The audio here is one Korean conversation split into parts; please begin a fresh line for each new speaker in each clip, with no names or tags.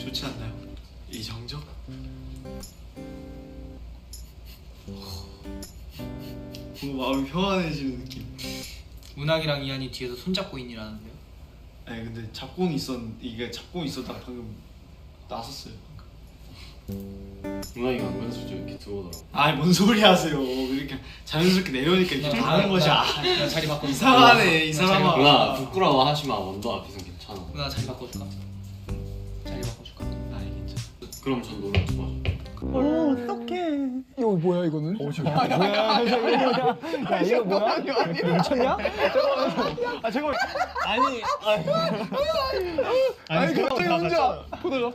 좋지 않나요? 이 정적? 뭔가 마음이 평안해지는 느낌.
문학이랑 이한이 뒤에서 손잡고 있니라는데요?
아니 근데 이게 잡고 있었다 방금 나섰어요.
문학이가 은근슬쩍 이렇게 들어오더라고.
아니 뭔 소리 하세요. 이렇게 자연스럽게 내려오니까 이렇게 다른 것이
나 자리 바꿔.
이상하네 이 사람아.
누나 부끄러워 하지 마. 원도 앞에선 괜찮아.
누나 자리 바꿔줄까? 자리 바꿔줄까?
아니 괜찮아.
그럼 전 노래 좋아져.
이거 뭐야 이거는?
야 이거 뭐야? 미쳤냐? 아 잠깐만. 아니
갑자기 혼자 보다가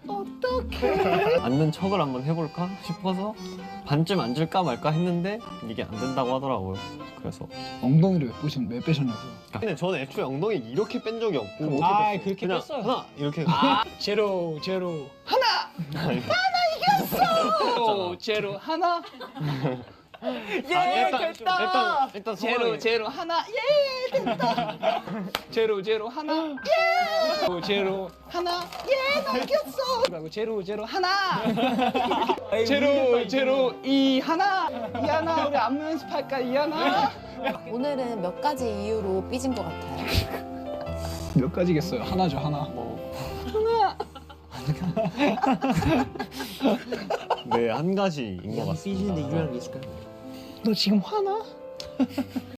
앉는 척을 한번 해볼까 싶어서 반쯤 앉을까 말까 했는데 이게 안 된다고 하더라고요. 그래서
엉덩이를 왜 빼셨냐고요?
근데 저는 애초에 엉덩이 이렇게 뺀 적이 없고
아 그렇게
그냥
뺐어요.
하나 이렇게
제로 하나 이겼어. 제로 하나
일단
제로 하나 됐다. 제로 하나 제로 하나 넘겼어. 제로 하나 제로 이 하나 우리 안무 연습할까 이 하나
오늘은 몇 가지 이유로 삐진 것 같아요.
몇 가지겠어요? 하나죠 하나.
네, 한 가지인 것 같습니다.
너 지금 화나?